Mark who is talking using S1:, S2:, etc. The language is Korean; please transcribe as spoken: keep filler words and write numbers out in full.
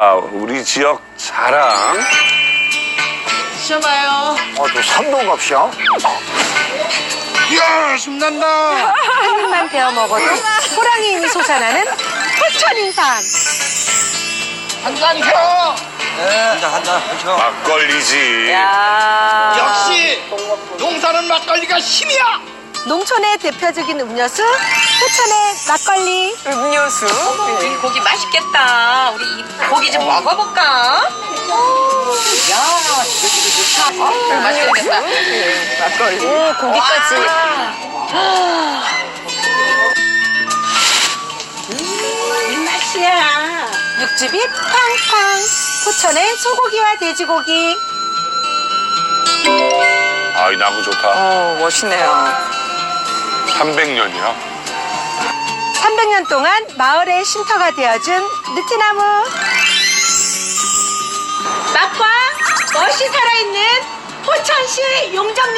S1: 아, 우리 지역 자랑.
S2: 쉬어봐요.
S3: 아, 또 삼동갑이야? 이야, 신난다.
S4: 한 입만 베어 먹어도 호랑이 힘이 솟아나는 포천인삼.
S3: 한잔 켜.
S1: 막걸리지.
S4: 야.
S3: 역시 농사는 막걸리가 힘이야.
S4: 농촌의 대표적인 음료수 포천의 막걸리.
S2: 음료수. 이 고기 맛있겠다. 우리 이 고기 좀 먹어볼까? 야, 좋다. 아, 맛있겠다. 막걸리.
S4: 오, 고기까지.
S2: 이 맛이야.
S4: 육즙이 팡팡. 포천의 소고기와 돼지고기.
S1: 아, 이 나무 좋다.
S2: 어, 멋있네요.
S1: 삼백 년이야.
S4: 삼백 년 동안 마을의 쉼터가 되어준 느티나무. 맛과 멋이 살아있는 포천시 용정